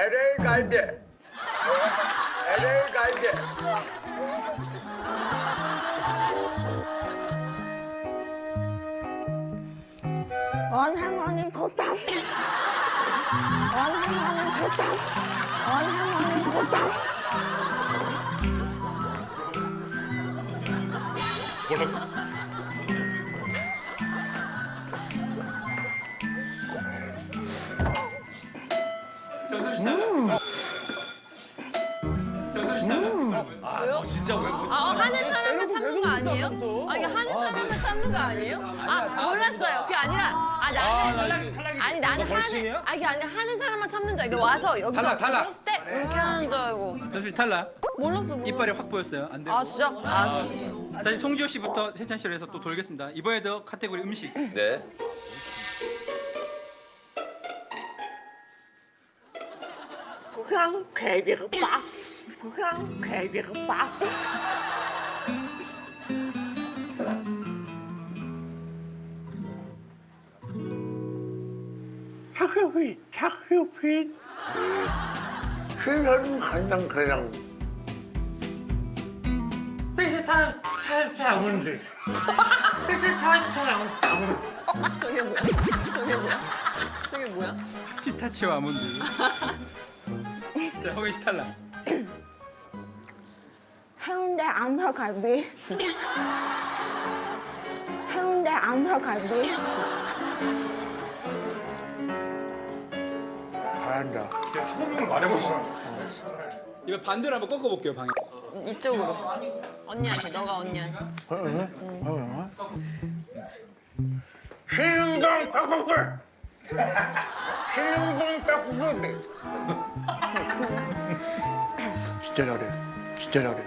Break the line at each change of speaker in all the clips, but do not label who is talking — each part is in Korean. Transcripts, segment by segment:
LA 갈대. LA 갈대.
원 할머니 보답. 원 할머니 보답. 원 할머니 보답.
진짜 왜
하는 사람만 참는 거 아니에요? 아니 하는 사람만 참는 거 아니에요? 몰랐어요. 그게 아니라 나는 하는 사람만 참는 줄 알고 와서 여기서
탈락, 탈락.
했을 때 이렇게 하는 줄 알고
전수씨 탈락.
몰랐어.
이빨이 확 보였어요. 안 돼요.
진짜?
다시 송지효 씨부터 세찬 씨로 해서 또 돌겠습니다. 이번에도 카테고리 음식.
네.
부산 괴비국밥. 부산 괴비국밥.
착효핀. 신선 간장 그냥.
저게 뭐야?
피스타치오 아몬드. 자, 허민 씨 탈락.
해운대 안사갈비. 해운대 안사갈비.
잘한다.
이거 반대로 한번 꺾어볼게요, 방에.
이쪽으로. 언니한테 너가 언니한테.
신흥동 떡국물. 신흥동 떡국물. 진짜 잘해. 진짜 잘해.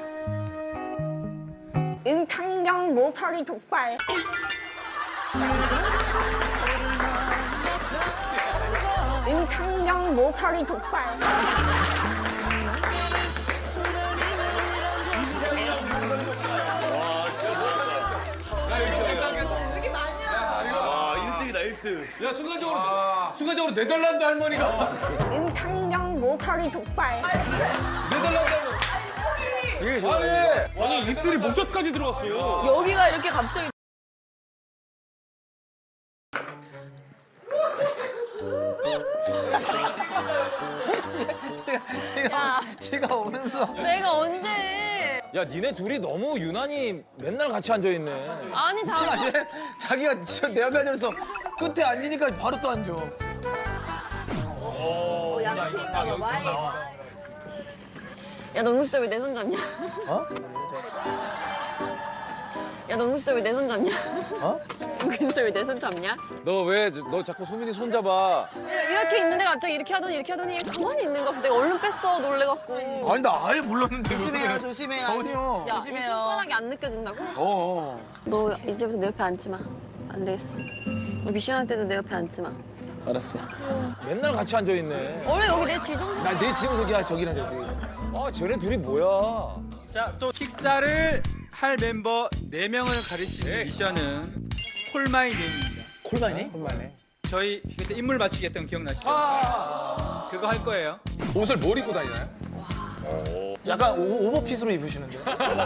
임창정 모파리 족발. 임창정 모파리 족발.
야 순간적으로 네덜란드 할머니가
임창정 모파리 족발.
아니 입술이 목젖까지 들어갔어요.
여기가 이렇게 갑자기.
제가 오면서
내가 언제?
야 니네 둘이 너무 유난히 맨날 같이 앉아 있네.
아니 잠깐.
자기가 진짜 내 앞에 앉아서 끝에 앉으니까 바로 또 앉아.
야, 너 은근 진짜 왜 내 손 잡냐?
어?
야, 너 은근 진짜 왜 내 손 잡냐?
어?
은근 진짜 왜 내 손 잡냐?
너 자꾸 소민이 손 잡아.
이렇게 있는데 갑자기 이렇게 하더니 가만히 있는 거 없어. 내가 얼른 뺐어, 놀래갖고.
아니 나 아예 몰랐는데.
조심해요, 조심해요.
전혀.
야, 이 손가락이 안 느껴진다고?
어.
너 이제부터 내 옆에 앉지 마. 안 되겠어. 너 미션 할 때도 내 옆에 앉지 마.
알았어. 맨날 같이 앉아 있네.
원래 여기 내 지정석.
나내 지금석이야 저기랑 저기.
아 쟤네 둘이 뭐야?
자, 또 식사를 할 멤버 4명을 가릴 수 있는 미션은 콜마이 네임입니다.
콜마이네? 콜마이네.
저희 그때 인물 맞추기 했던 거 기억나시죠? 그거 할 거예요.
옷을 뭘 입고 다니나요?
약간 오버핏으로 입으시는데.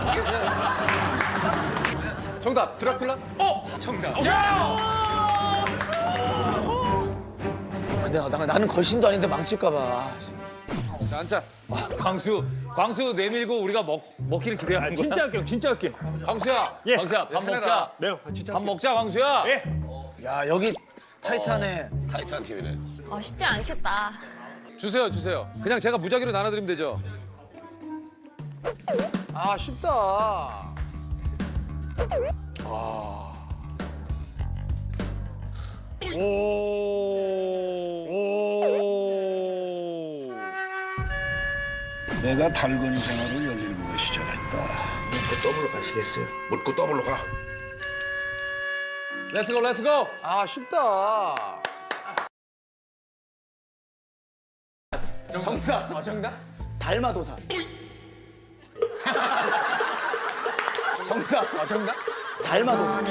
정답 드라큘라?
정답.
근데 나는 걸신도 아닌데 망칠까 봐.
자, 앉자. 광수 내밀고 우리가 먹기를 기대하는 거야.
진짜 할게요, 진짜 할게요.
광수야.
예.
광수야 밥 먹자.
네, 진짜
밥 먹자 광수야.
예.
야 여기 타이트하네.
타이트한 TV네.
쉽지 않겠다.
주세요. 그냥 제가 무작위로 나눠드리면 되죠.
아 쉽다.
내가 달건 생활을 17에 시작했다.
묻고 더블로 가.
렛츠고.
아 쉽다. 정답. 정답? 달마도사. 정답. 정답? 달마도사.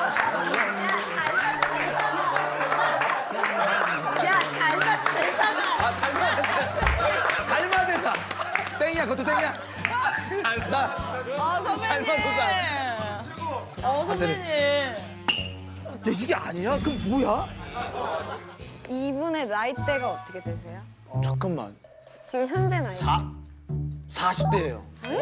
야, 달마 대사다.
선배님. 야, 이게 아니야? 그럼 뭐야?
이분의 나이대가 어떻게 되세요?
잠깐만.
지금 현재 나이.
40대예요.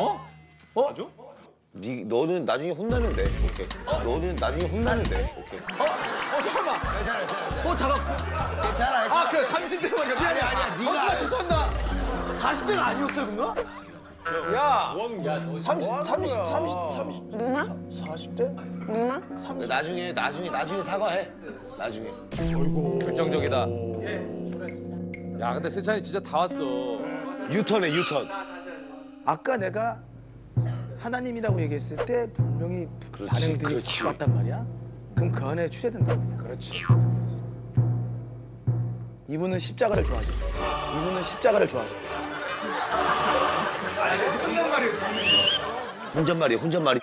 너는 나중에 혼나면 돼. 오케이. 너는 나중에 혼나면 돼. 오케이.
잠깐만. 잠깐.
괜찮아.
아, 그래 30대만 미안해.
아니야, 네가
죄송합니다. 40대가 아니었어요, 그거? 야, 30,
누나?
40대?
누나?
나중에 사과해. 나중에.
결정적이다. 야, 근데 세찬이 진짜 다 왔어.
유턴해, 유턴.
아까 내가 하나님이라고 얘기했을 때 분명히
그렇지,
반응들이
그렇지.
확 왔단 말이야? 그럼 그 안에 추세된다. 그렇지. 이분은 십자가를 좋아하죠. 이분은 십자가를 좋아하죠.
혼잣말이야, 혼잣말이.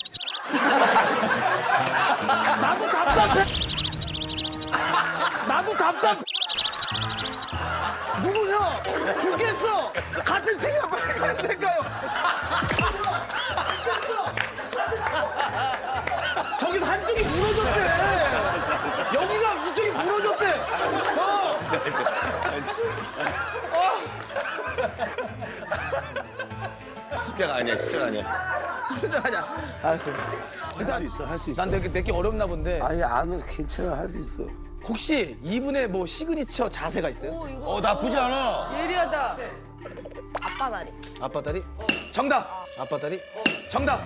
나도 답답해. 누구냐? 죽겠어. 같은 팀이야 빨리 갔을까요? 저기서 한쪽이 무너졌대. 여기가 이쪽이 무너졌대.
십자가 아니야, 십자가 아니야.
진짜 아니야. 알았어. 일단
할 수 있어.
난 내게 어렵나 본데.
아니, 안 괜찮아, 할 수 있어.
혹시 이분의 뭐 시그니처 자세가 있어요?
나쁘지 않아.
예리하다. 아빠 다리.
아빠 다리? 정답. 아빠 다리? 정답.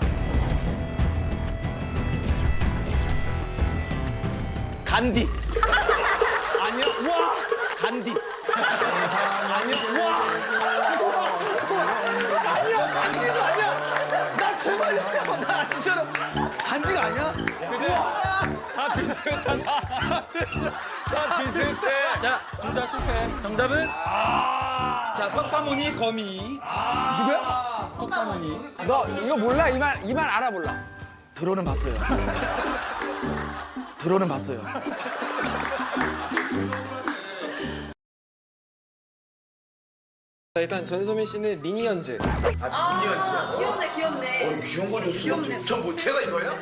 간디. 아니야. 와. 간디. 아니야. 와. 아니야. 간디도 아니야. 나 제발 나 진짜로 간디가 아니야?
다 비슷하다. 다 비슷해.
자, 둘 다 실패. 정답은 자, 석가모니 거미.
누구야?
석가모니.
너 이거 몰라? 이 말 알아 몰라? 들어는 봤어요. 들어는 봤어요.
자, 일단 전소민 씨는 미니언즈.
귀엽네, 귀엽네.
귀여운 거 줬어. 전뭐 제가 이거야?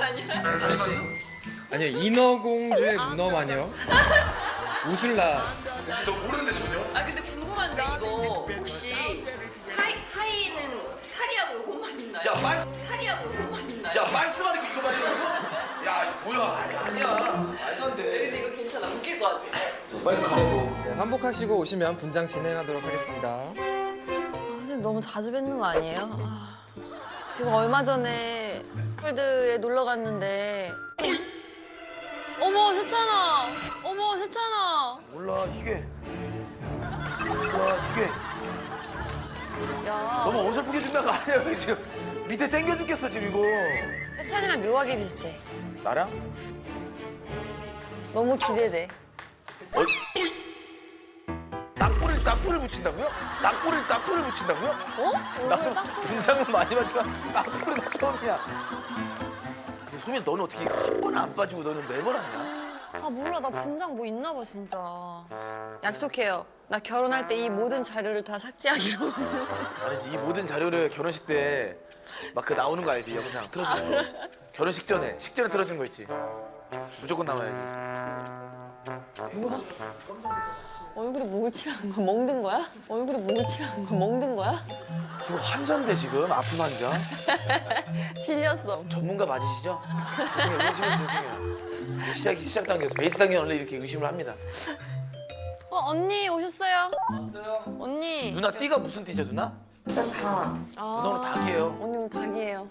아니요, 인어공주의 문어마녀. 우슬라.
너 모르는데 전혀?
아 근데 궁금한데 이거 혹시 하이는 사리하고 요것만 있나요?
야,
사리하고 요것만 있나요?
야, 말씀만 있고 이거 말이야. 야, 뭐야? 아니야. 말도 안 돼.
근데 이거 괜찮아. 웃길 것 같아.
빨리 가라고.
네, 환복하시고 오시면 분장 진행하도록 하겠습니다.
아, 선생님 너무 자주 뵙는 거 아니에요? 아, 제가 얼마 전에 폴드에 놀러 갔는데 어머 세찬아 어머 세찬아
몰라 이게. 몰라 이게.
야
너무 어설프게 준비한 거 아니야? 여기 지금 밑에 땡겨 죽겠어 지금 이거.
세찬이랑 묘하게 비슷해.
나랑?
너무 기대돼.
딱불을 붙인다고요? 딱불을 붙인다고요?
어?
나도 분장은 많이 봤지만 딱불은 처음이야. 근데 소민 너는 어떻게 한 번 안 빠지고 너는 매번 하냐?
아 몰라 나 분장 뭐 있나 봐 진짜. 약속해요. 나 결혼할 때 이 모든 자료를 다 삭제하기로.
아니지 이 모든 자료를 결혼식 때 막 그 나오는 거 알지 영상 틀어주는 거. 결혼식 전에 식전에 틀어준 거 있지. 무조건 나와야지.
얼굴에 뭘 칠한 거야? 멍든 거야? 얼굴에 뭘 칠한 거야? 멍든 거야?
이거 환자인데 지금 아픈 환자.
질렸어.
전문가 맞으시죠? 죄송해요. 의심해요. 시작 단계에서 베이스 단계 원래 이렇게 의심을 합니다.
언니 오셨어요? 왔어요. 언니.
누나 띠가 무슨 띠죠 누나?
아,
누나 오늘 닭이에요.
언니 오늘 닭이에요.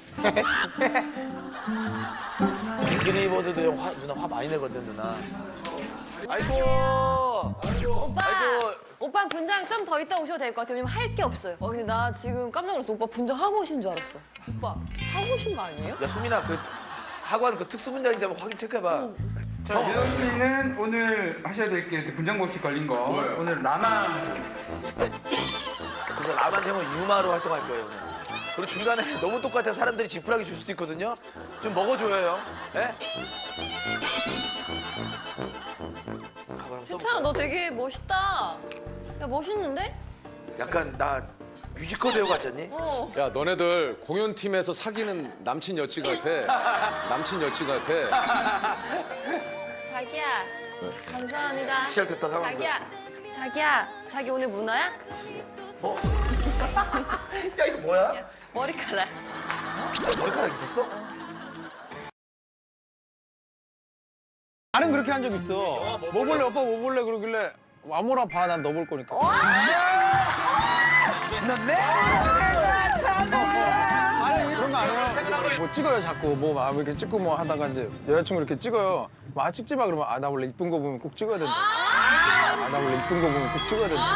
앵그리버드도 누나 화 많이 내거든 누나. 아이고.
오빠!
아이고.
오빠 분장 좀 더 이따 오셔도 될 것 같아요. 왜냐면 할 게 없어요. 근데 나 지금 깜짝 놀랐어. 오빠 분장 하고 오신 줄 알았어. 오빠 하고 오신 거 아니에요?
야 소민아 그 학원 그 특수 분야인지 한번 확인 체크해봐.
자, 유정 씨는 오늘 하셔야 될 게 분장 법칙 걸린 거. 오늘 라마.
그래서 라만 형은 유마로 활동할 거예요 오늘. 그리고 중간에 너무 똑같아 사람들이 지푸라기 줄 수도 있거든요. 좀 먹어줘요 형. 예? 가발 한번
세찬아 너 되게 멋있다. 야 멋있는데?
약간 나 뮤지컬 배우 같지 않니?
야 너네들 공연팀에서 사귀는 남친 여친 같아. 남친 여친 같아.
자기야. 감사합니다.
시작됐다 상황.
자기야. 자기 오늘 문어야?
야 이거 뭐야?
머리카락.
머리카락 있었어?
나는 그렇게 한 적 있어. 뭐 볼래 오빠 뭐 볼래 그러길래 아무나 봐 난 너 볼 거니까. 아니 그런 거 안 해요. 뭐 찍어요 자꾸 뭐 이렇게 찍고 뭐 하다가 이제 여자친구 이렇게 찍어요. 뭐 찍지 마 그러면 나 원래 이쁜 거 보면 꼭 찍어야 된다. 나 원래 이쁜 거 보면 꼭 찍어야 된다.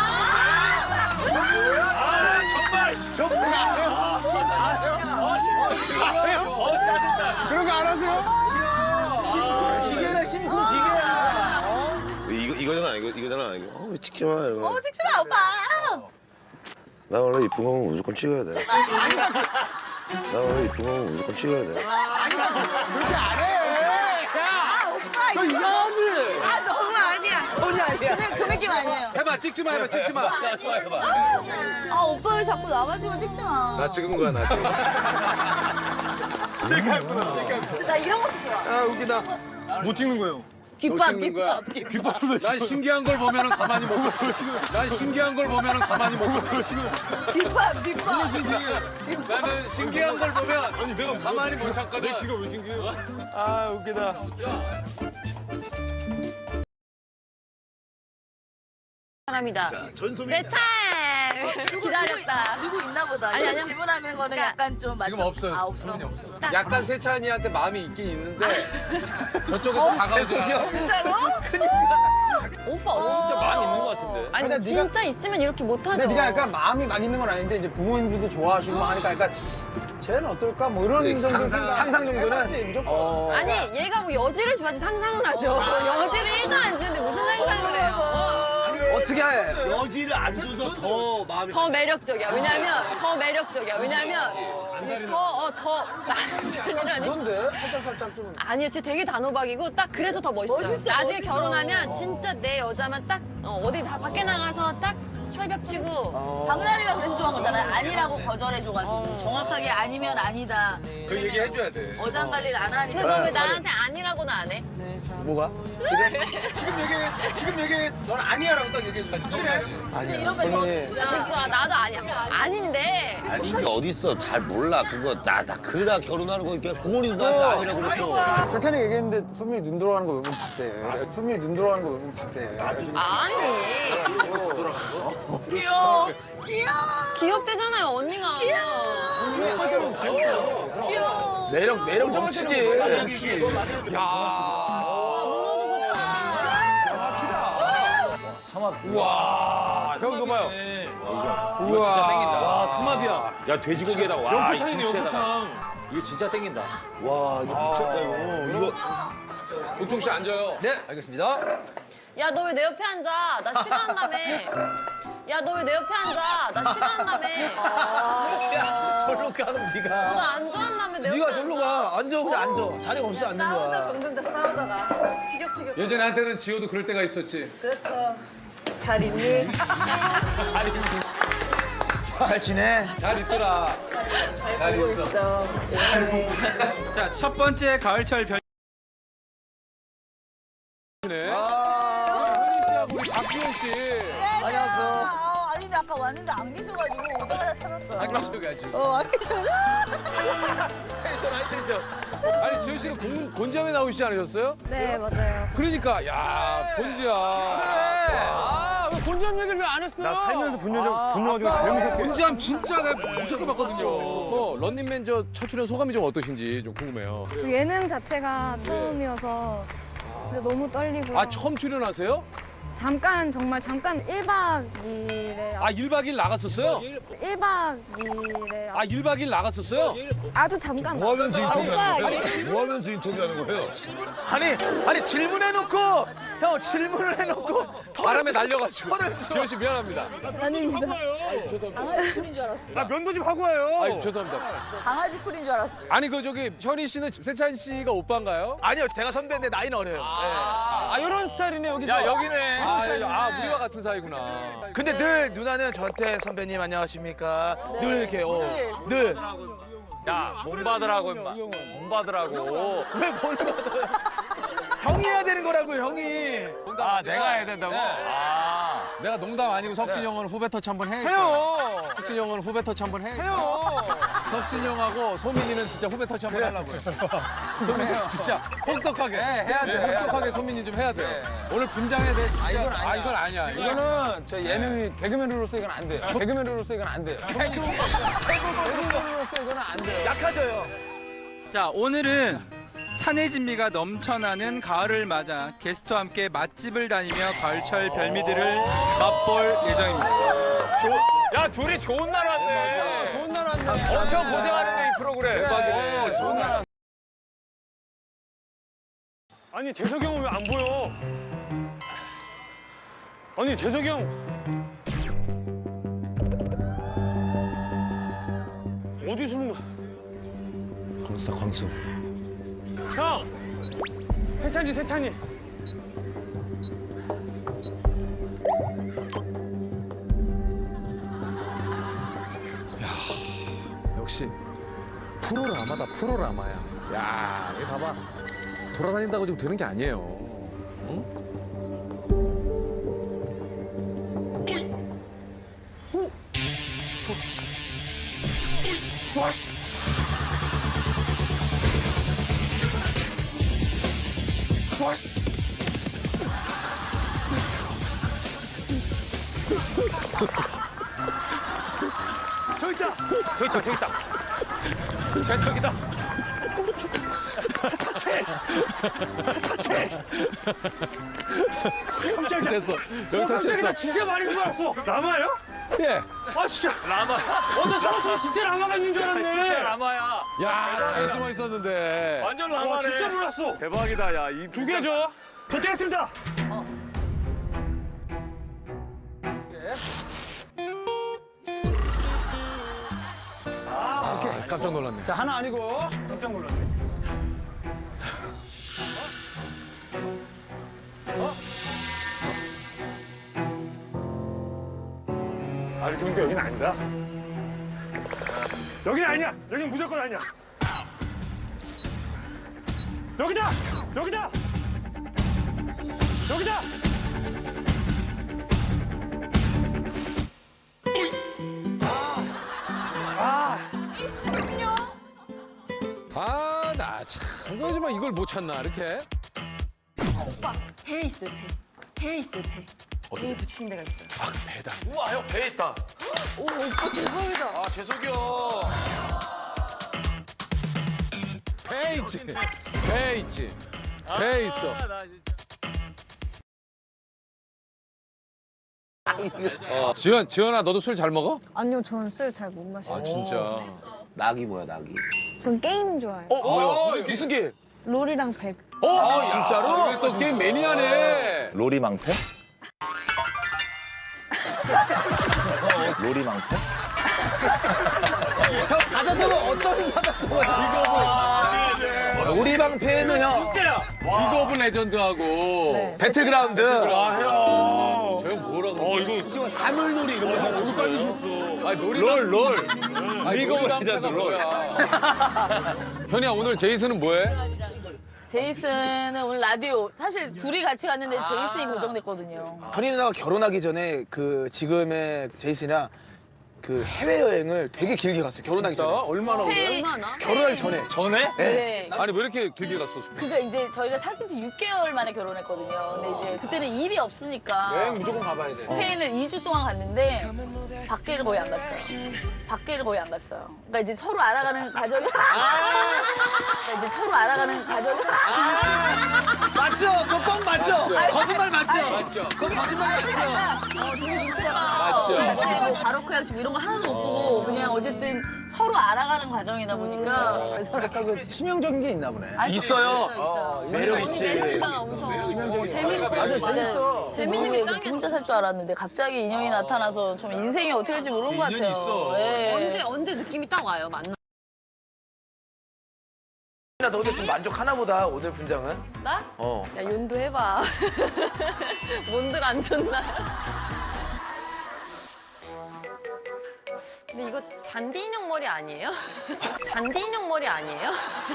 그런 거 안 하세요?
기계라 신고 기계야.
이거잖아 이거잖아 이거. 왜 찍지 마 이거.
찍지 마, 오빠.
나 원래 이쁜 거 보면 무조건 찍어야 돼. 나 원래 이쁜 거 보면 무조건 찍어야 돼.
그렇게 안 해.
오빠,
너 이상하지?
아, 너무 아니야.
돈이 아니야.
그 느낌 아니에요.
해봐 찍지 마 해봐 찍지 마.
아, 오빠 왜 자꾸 나가지고 찍지 마.
나 찍은 거야 나 지금.
나 이런 것도 좋아.
아 웃기다. 못 찍는 거예요.
귓밥.
난 신기한 걸 보면은 가만히 못 봐. 난 신기한 걸 보면은 가만히 못 봐.
귓밥.
나는 신기한 걸 보면 가만히 못 참거든. 내 귀가 왜 신기해?
아 웃기다.
사람이다.
전소민.
내 차임. 기다렸다.
누구 있나 보다.
아니, 아니야.
질문하는 거는
그러니까
약간 좀
지금 없어요.
아, 없어.
소민이 없어. 약간 세찬이한테 마음이 있긴 있는데 저쪽에서 다가오지 않아.
오빠.
진짜 마음 있는 것 같은데.
아니
근데
진짜 있으면 이렇게 못하죠.
근데 네가 약간 마음이 막 있는 건 아닌데 이제 부모님들도 좋아하시고 막 하니까 약간 쟤는 어떨까 뭐 이런 정도
상상 정도는?
해봤지, 무조건.
아니 얘가 뭐 여지를 줘야지 상상을 하죠. 여지를 1도 안 주는데 무슨 상상을 해요.
어떻게 해?
여지를 안 줘서 더 마음이.
더 매력적이야. 왜냐면 이게 더 남들이라니.
그런데 살짝 좀.
아니요, 쟤 되게 단호박이고 딱 그래서 더 멋있어요. 나중에 결혼하면 진짜 내 여자만 딱 어디 다 밖에 나가서 딱 철벽 치고
박나래가 그래서 좋아한 거잖아요. 아니라고 거절해줘가지고 정확하게 아니면 아니다.
그 얘기 해줘야 돼.
어장 관리를 안 하니까.
근데 너 왜 나한테 아니라고는 안 해?
뭐가?
지금 얘기 넌 아니야라고 딱 얘기해 줘. 확실해?
아니야. 소민이.
됐어, 나도 아니야. 아닌데.
아니 이게 어딨어 잘 몰라 그거 나 그러다 결혼하는 거 이렇게 고은이도 나한테 아니라고 그랬어.
세찬이 얘기했는데 소민이 눈 들어가는 거 몇 번 봤대. 소민이 눈 들어가는 거 몇 번 봤대.
아니.
귀여워.
귀엽대잖아요, 언니가.
귀여워.
매력 넘치지.
문어도 좋다.
우와, 형 이거 봐요.
이거 진짜 땡긴다. 와, 삼합이야. 야, 돼지고기에다가 와, 이 김치에다가. 이거 진짜 땡긴다.
와 이거 미쳤다 이거.
옥종 씨 앉아요. 네, 알겠습니다.
야, 너 왜 내 옆에 앉아? 나 싫어한다며. 야, 너 왜 내 옆에 앉아? 나 싫어한다며.
절로 가는 네가.
너 안 좋아한다며, 내 옆에
네가
앉아.
절로 가. 앉아 그냥 앉아. 자리가 없어 앉는
싸우다
거야.
점점 더 싸우다가. 티격태격.
예전에 한테는 지호도 그럴 때가 있었지.
그렇죠. 잘 있니?
잘 지내?
잘 있더라. 잘 있어.
있어.
자, 첫 번째 가을철 별.
네. 현희 씨하고 우리 박지현 씨.
안녕하세요.
아니 근데 아까 왔는데 안 계셔가지고 오자마자 찾았어요.
안 계셔가지고.
안 계셔.
텐션 하이 텐션. 아니 지현 씨는 곤지암에 나오시지 않으셨어요?
네 맞아요.
그러니까 야 곤지암.
아, 왜 본전 얘기를 왜 안 했어? 나 살면서 본 여자가 제일 무섭게.
곤지암 진짜 내가 무섭게 봤거든요. 그 런닝맨 저 첫 출연 소감이 좀 어떠신지 좀 궁금해요.
저 예능 자체가 처음이어서 진짜 너무 떨리고요.
아 처음 출연하세요?
잠깐 정말 잠깐 1박 2일에
아 1박 2일 나갔었어요?
1박 2일에
아 1박 2일 나갔었어요?
아주 잠깐
뭐 하면서 인터뷰하는
오빠,
거예요? 뭐 하면서 인터뷰하는 거예요?
아니 질문해놓고 형 질문을 해놓고
바람에 날려가지고. 지현 씨 미안합니다.
아닙니다. 강아지 풀인 줄 알았어.
아, 면도 좀 하고 와요.
아유 죄송합니다.
강아지 풀인 줄 알았어.
아니 그 저기 현희 씨는 세찬 씨가 오빠인가요?
아니요 제가 선배인데 나이는 어려요.
아, 이런 스타일이네, 여기.
야 여기네.
우리와 같은 사이구나.
근데 늘 누나는 저한테 선배님 안녕하십니까? 늘 이렇게 늘.
야, 돈 받으라고 임마. 돈 받으라고.
왜 뭘 받아요? 형이 해야 되는 거라고 형이.
아, 내가 해야 된다고?
내가 농담 아니고 석진 형은 후배 터치 한번 해.
해요.
석진 형은 후배 터치 한번 해.
해요.
석진 형하고 소민이는 진짜 후배 터치 한번 하려고요. 소민이 진짜 혹독하게.
해야 돼.
혹독하게 소민이 좀 해야 돼요. 오늘 분장해야 돼. 진짜. 이건 아니야.
이거는 저 예능이 개그맨으로서 이건 안 돼요. 개그맨으로서 이건 안 돼요. 개그맨으로서 이거는 안 돼요.
약하져요.
자, 오늘은 산의 진미가 넘쳐나는 가을을 맞아 게스트와 함께 맛집을 다니며 가을철 별미들을 맛볼 예정입니다.
야, 둘이 좋은 날 왔네.
좋은 날 왔네.
엄청 고생하는데 이 프로그램.
대박이네.
좋은 날 왔네.
아니 재석이 형은 왜 안 보여? 아니 재석이 형 어디 숨은 거야?
광수다, 광수.
형! 세찬이
역시 프로라마다 프로라마야. 야, 여기 봐봐. 돌아다닌다고 지금 되는 게 아니에요. 응?
저기 있다.
저기 있다. 재석이다.
깜짝이야.
됐어. 여기 터치했어.
진짜 많이 좋았어. 라마예요?
예.
아 진짜.
라마.
어제 사무실에 진짜 라마가 있는 줄 알았네.
진짜 라마야.
야, 잘 숨어 있었는데.
완전
와
라마네.
진짜 몰랐어.
대박이다, 야. 이
두 개 줘. 결제했습니다.
깜짝 놀랐네.
자, 하나 아니고.
깜짝 놀랐네. 아니 근데 여긴 아니다. 여긴 아니야. 여긴 무조건 아니야. 여기다. 여기다. 여기다.
아, 나 참. 거지만 이걸 못 찾나, 이렇게?
오빠 배에 있어요, 배에 있어요, 배에 붙이는 데가 있어요.
아, 배다.
우와 형 배에 있다.
오, 오빠 대박이다.
아 재석이 형.
배 있지. 배 있지. 배 있어. 지연아, 너도 술 잘 먹어?
아니요, 저는 술 잘 못 마셔요.
아, 진짜.
낙이 뭐야 낙이?
전 게임 좋아해요.
뭐야? 무슨 게?
롤이랑 배그.
진짜로?
이게 또 게임 매니아네.
로리 망패? 로리 망패?
사자성어 어떤 사자성어야? 우리 방패는 형
리그 오브 레전드하고
네.
배틀그라운드.
저 형 뭐라고?
지금 사물놀이 이런 거 하고 싶어요.
아니, 롤. 리그 오브 레전드 뭐야? 현이야, 오늘 제이슨은 뭐해?
제이슨은 오늘 라디오 사실 둘이 같이 갔는데 제이슨이 고정됐거든요.
현이 누나가 결혼하기 전에 그 지금의 제이슨이랑 그 해외여행을 되게 길게 갔어요. 결혼하기 전에.
얼마나 오래?
결혼하기 전에.
전에?
네.
아니, 왜 이렇게 길게 갔어?
그러니까 이제 저희가 사귄 지 6개월 만에 결혼했거든요. 근데 이제 그때는 일이 없으니까
여행 무조건 가봐야 돼.
스페인을 2주 동안 갔는데 밖에를 거의 안 갔어요. 밖에를 거의 안 갔어요. 그러니까 이제 서로 알아가는 과정이 그러니까 이제 서로 알아가는 과정이
맞죠? 그거 뻥 맞죠? 거짓말 맞죠?
맞죠?
그거 거짓말 맞죠?
되게 좋더라.
맞죠?
사실 뭐 바로크 양식 이런 거 하나도 못 보고 그냥 어쨌든 서로 알아가는 과정이다 보니까 그래서
약간 그 치명적인 게 있나 보네.
아니,
있어요. 매력 있지.
매력있잖아, 엄청. 재밌고.
맞아, 재밌어.
재밌는 게 짱이야.
혼자 살 줄 알았는데 갑자기 인연이 나타나서 좀 인생이 어떻게 될지 모르는 것 같아요.
인연이 있어.
예.
언제 느낌이 딱 와요, 만나.
나 너네 좀 만족하나 보다 오늘 분장은.
나?
어.
야, 윤도 해봐. 뭔들 안 좋나? 근데 이거 잔디 인형 머리 아니에요? 잔디 인형 머리 아니에요?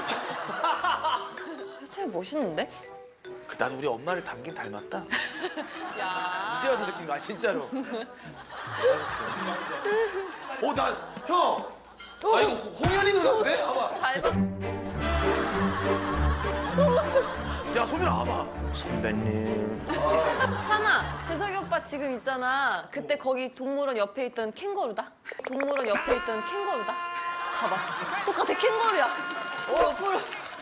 표창이 멋있는데?
나도 우리 엄마를 닮긴 닮았다.
야.
이제 와서 느낀 거야 진짜로. 나 형. 아 이거 홍현이 누나인데? 봐봐. 야 소민아 봐봐. 선배님.
찬아, 재석이 오빠 지금 있잖아. 그때 거기 동물원 옆에 있던 캥거루다. 동물원 옆에 있던 캥거루다. 봐봐. 똑같아, 캥거루야. 옆으로.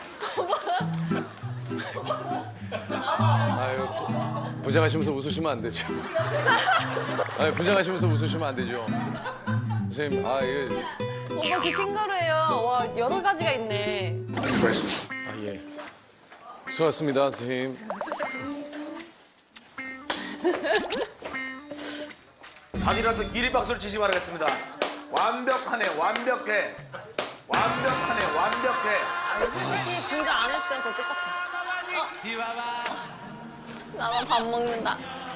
아유, 분장하시면서 웃으시면 안 되죠. 아유, 분장하시면서 웃으시면 안 되죠. 선생님, 이게.
오빠 그 캥거루예요. 와, 여러 가지가 있네.
예. 수고하셨습니다, 선생님.
다들어서 기립박수를 치지 말아겠습니다. 완벽하네, 완벽해. 완벽하네, 완벽해.
아니, 솔직히 분장 안 했을 때랑 더 똑같아. 나만 밥 먹는다.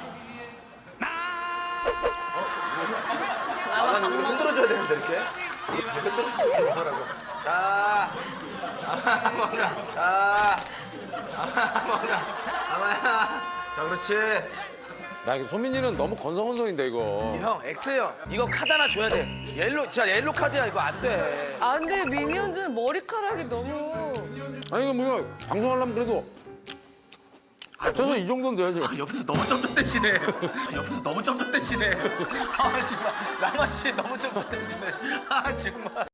나만 밥 먹는다.
흔들어줘야 되는데 이렇게. 흔들어주지 말라고. 자, 먹자. 자, 먹자. 자, 그렇지.
야, 소민이는 너무 건성건성인데, 이거.
형, X형. 이거 카드 하나 줘야 돼. 옐로, 진짜 옐로 카드야. 이거 안 돼.
아, 근데 미니언즈는 머리카락이 너무.
아니, 이거 뭐야. 방송하려면 그래도. 최소 이 정도는 돼야지.
옆에서 너무 점점대시네. 옆에서 너무 점점대시네. 아, 정말. 랑아 씨 너무 점점대시네. 아, 정말.